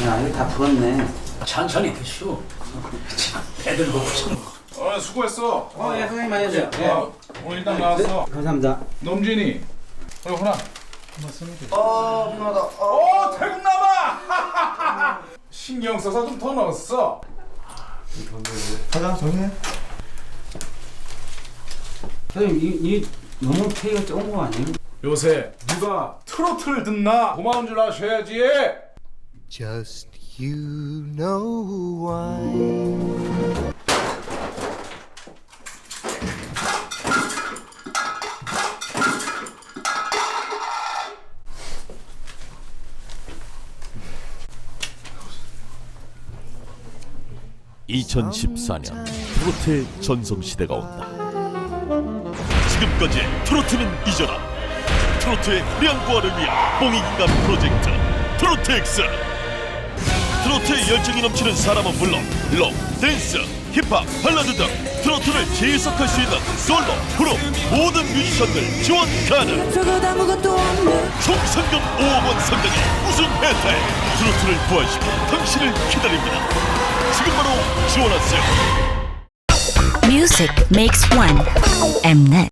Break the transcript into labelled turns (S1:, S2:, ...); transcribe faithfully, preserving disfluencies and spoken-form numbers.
S1: 야, 이거 다 불었네.
S2: 천천히 드시오. 배들 고프시는 거.
S3: 어, 수고했어.
S1: 어, 예, 선생님 많이 하세요. 예.
S3: 어, 오늘 일단 나왔어.
S1: 감사합니다.
S3: 넘진이. 어, 호나.
S1: 어, 피곤하다. 어.
S3: 오, 태국남아! 신경 써서 좀 더 넣었어.
S4: 가자 정리해.
S1: 선생님, 이, 이 너무 K가 적은 거 아니에요?
S3: 요새 누가 트로트를 듣나? 고마운 줄 아셔야지.
S4: Just you know why.
S5: 이천십사 년 트로트의 전성시대가 온다. 지금까지의 트로트는 잊어라. 트로트의 후량부활을 위한 공익인간 프로젝트 트로트엑스. 트로트의 열정이 넘치는 사람은 물론 록, 댄스, 힙합, 발라드 등 트로트를 재해석할 수 있는 솔로, 그룹 모든 뮤지션들 지원 가능. 총 상금 오억 원 상당의 우승 혜택. 트로트를 부활시켜 당신을 기다립니다. 지금 바로 지원하세요.
S6: Music makes one. Mnet.